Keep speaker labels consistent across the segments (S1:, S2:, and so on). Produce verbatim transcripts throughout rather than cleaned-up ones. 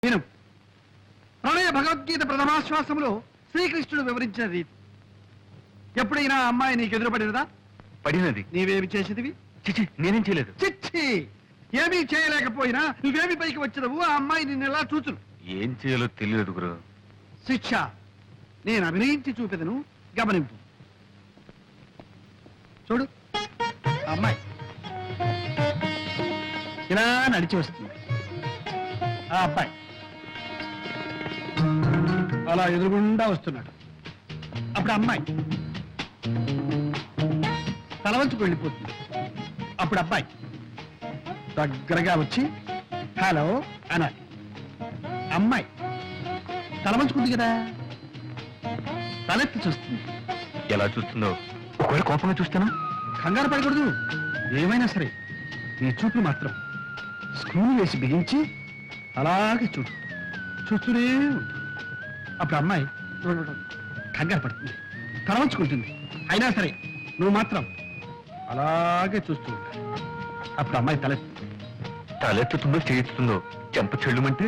S1: విను. ప్రణయ భగవద్గీత ప్రథమాశ్వాసంలో శ్రీకృష్ణుడు వివరించిన రీతి. ఎప్పుడైనా అమ్మాయి నీకు ఎదురుపడినదా?
S2: పడినది.
S1: నీవేమి చేసేదివి?
S2: చిచి, నేనేం చేయలేదు.
S1: చిచ్చి, ఏమీ చేయలేకపోయినా నువ్వేమి పైకి వచ్చినవు? ఆ అమ్మాయి నిన్ను ఎలా చూచును?
S2: ఏం చేయాలో తెలియదు గురు.
S1: శిక్ష నేను అభినయించి చూపెదను, గమనింపు. చూడు, ఆ అమ్మాయి ఇలా నడిచి వస్తుంది. ఆ అబ్బాయి అలా ఎదురుగుండా వస్తున్నాడు. అప్పుడు అమ్మాయి తల వంచుకు వెళ్ళిపోతుంది. అప్పుడు అబ్బాయి దగ్గరగా వచ్చి హలో అనాలి. అమ్మాయి తల వంచుకుంది కదా, తలెత్తి చూస్తుంది.
S2: ఎలా చూస్తుందో? ఒకవేళ కోపంగా చూస్తానా?
S1: కంగారు పడకూడదు. ఏమైనా సరే నీ చూపు మాత్రం స్క్రూలు వేసి బిగించి అలాగే చూడు, చూస్తూనే ఉండు. అప్పుడు అమ్మాయి కంగారు పడుతుంది, తల వంచుకుంటుంది. అయినా సరే నువ్వు మాత్రం అలాగే చూస్తూ ఉండాలి. అప్పుడు అమ్మాయి తలెత్తి
S2: తలెత్తుతుందో చేయిస్తుందో చెంప చెల్లుమంటే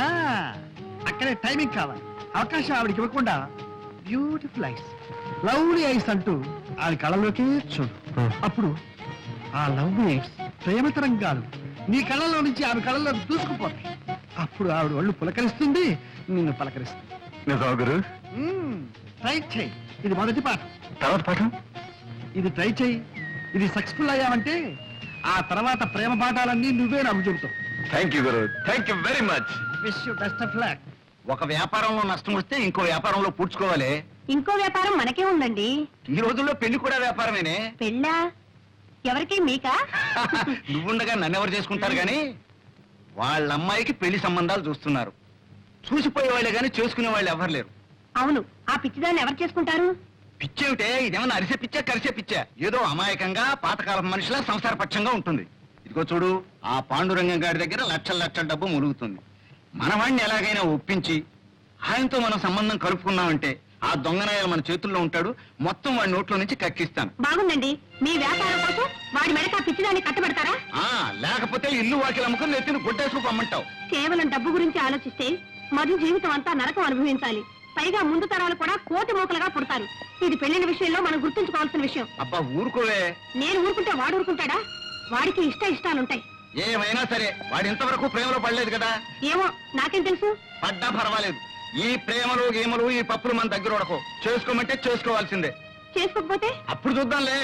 S1: అక్కడే టైమింగ్ కావాలి. అవకాశం ఆవిడికి ఇవ్వకుండా బ్యూటిఫుల్ ఐస్, లవ్లీ ఐస్ అంటూ ఆవిడ కళ్ళలోకి చూడు. అప్పుడు ఆ లవ్లీ ఐస్ ప్రేమ తరంగాలు నీ కళ్ళలో నుంచి ఆమె కళ్ళలో దూసుకుపోతాయి. అప్పుడు ఆవిడ ఒళ్ళు పులకరిస్తుంది, నిన్ను పలకరిస్తుంది.
S2: గురు,
S1: ట్రై చేయి. ఇది మొదటి పాఠం.
S2: తర్వాత పాఠం
S1: ఇది ట్రై చేయి. ఇది సక్సెస్ఫుల్ అయ్యావంటే ఆ తర్వాత ప్రేమ పాఠాలన్నీ నువ్వే నాకు చెబుతావు.
S2: థ్యాంక్ యూ గురు, thank you very much.
S1: Wish you best of luck.
S3: ఒక వ్యాపారంలో నష్టం వస్తే ఇంకో వ్యాపారంలో పూడ్చుకోవాలి.
S4: ఇంకో వ్యాపారం మనకే ఉందండి.
S3: ఈ రోజుల్లో పెళ్లి కూడా వ్యాపారమేనే.
S4: పెళ్ళా? ఎవరికి? మీకా?
S3: నువ్వుండగా నన్నెవరు చేసుకుంటారు గాని వాళ్ళ అమ్మాయికి పెళ్లి సంబంధాలు చూస్తున్నారు. చూసిపోయే వాళ్ళే గాని చేసుకునే వాళ్ళు ఎవరు లేరు.
S4: అవును, ఆ పిచ్చిదాన్ని ఎవరు చేసుకుంటారు?
S3: పిచ్చేమిటే, ఇదేమన్నా అరిసే పిచ్చా కరిసే పిచ్చా? ఏదో అమాయకంగా పాతకాలం మనిషిలా సంసార పక్షంగా ఉంటుంది. ఇదిగో చూడు, ఆ పాండురంగం గారి దగ్గర లక్షల లక్షల డబ్బు ములుగుతుంది. మనవాణ్ణి ఎలాగైనా ఒప్పించి ఆయనతో మనం సంబంధం కలుపుకున్నామంటే ఆ దొంగనాయాలు మన చేతుల్లో ఉంటాడు. మొత్తం వాడి నోట్లో నుంచి కక్కిస్తాను.
S4: బాగుందండి. మీ వ్యాపారం కోసం వాడి మెడక పిచ్చిదాన్ని కట్టబెడతారా?
S3: ఆ లేకపోతే ఇల్లు వాకిలు అమ్ముకుని నెత్తిని గుడ్డేసుకు పమ్మంటావు.
S4: కేవలం డబ్బు గురించి ఆలోచిస్తే మధు జీవితం అంతా నరకం అనుభవించాలి. పైగా ముందు తరాలు కూడా కోటి మూకలుగా పుడతారు. ఇది పెళ్లిన విషయంలో మనం గుర్తుంచుకోవాల్సిన విషయం.
S3: అబ్బా ఊరుకోవే.
S4: నేను ఊరుకుంటే వాడు ఊరుకుంటాడా? వాడికి ఇష్ట ఇష్టాలుంటాయి.
S3: ఏమైనా సరే వాడు ఇంతవరకు ప్రేమలో పడలేదు కదా.
S4: ఏమో, నాకేం తెలుసు.
S3: పడ్డా పర్వాలేదు. ఈ ప్రేమలు గేమలు ఈ పప్పులు మన దగ్గర ఉడకో. చేసుకోమంటే చేసుకోవాల్సిందే.
S4: చేసుకోకపోతే
S3: అప్పుడు చూద్దాంలే.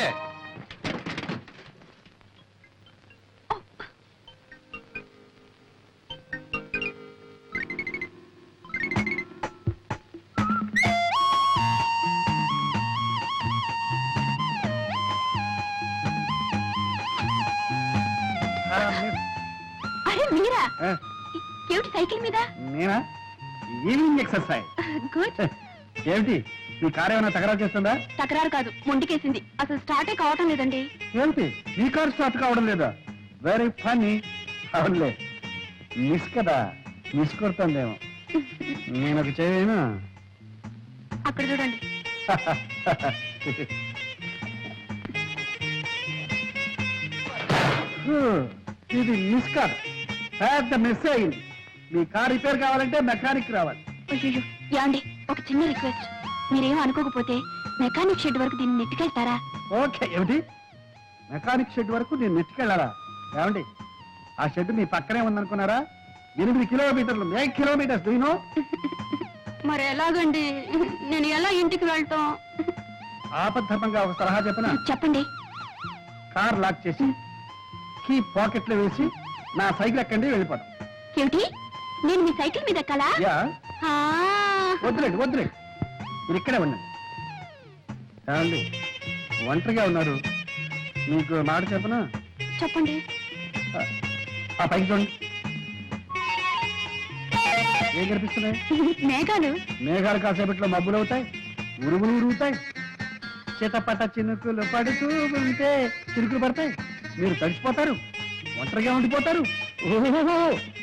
S4: అరే మీరా? ఏమిటి సైకిల్ మీద?
S1: నేనా? Evening exercise.
S4: గుడ్.
S1: ఏమిటి నీ కారు ఏమైనా తగరాలు చేస్తుందా?
S4: తకరారు కాదు, మొండికేసింది. అసలు స్టార్టే కావటం లేదండి.
S1: ఏమిటి నీ కారు స్టార్ట్ కావడం లేదా? Very funny. అవునులే, మిస్ కదా, మిస్ కొడుతుందేమో. నేను ఒక చేయను.
S4: అక్కడ చూడండి.
S1: ఇది మిస్ కాదు, పెద్ద మిస్ అయింది. మీ కార్ రిపేర్ కావాలంటే మెకానిక్ రావాలి.
S4: అయ్యో యాండి, ఒక చిన్న రిక్వెస్ట్. మీరేం అనుకోకపోతే మెకానిక్ షెడ్ వరకు దీన్ని నెట్టుకెళ్తారా?
S1: ఓకే. ఏమిటి మెకానిక్ షెడ్ వరకు నేను నెట్టుకెళ్ళాలా? ఏమండి, ఆ షెడ్ మీ పక్కనే ఉందనుకున్నారా? ఎనిమిది కిలోమీటర్లు, ఎయిట్ కిలోమీటర్స్. దీనో
S4: మరి ఎలాగండి? నేను ఎలా ఇంటికి వెళ్తాం?
S1: ఆపద్ధర్మంగా ఒక సలహా చెప్పనా?
S4: చెప్పండి.
S1: కార్ లాక్ చేసి కీ పాకెట్ లో వేసి నా సైకిల్ ఎక్కండి, వెళ్ళిపోతాం.
S4: ఏమిటి, నేను మీ సైకిల్ మీద ఎక్కాలా?
S1: యా.
S4: ఆ.
S1: వద్దులేండి వద్దులేండి, మీరు ఇక్కడే ఉండండి. ఏమండి, ఒంటరిగా ఉన్నారు, మీకు మాట చెప్పనా?
S4: చెప్పండి.
S1: ఆ పైకి చూడండి, ఏం కనిపిస్తున్నాయి?
S4: మేఘాలు.
S1: మేఘాలు కాసేపట్లో మబ్బులు అవుతాయి, ఉరుగులు ఉరుగుతాయి, చితపట చినుకులు పడుతూ ఉంటే చినుకులు పడతాయి, మీరు తడిసిపోతారు, ఒంటరిగా ఉండిపోతారు. ఓహో,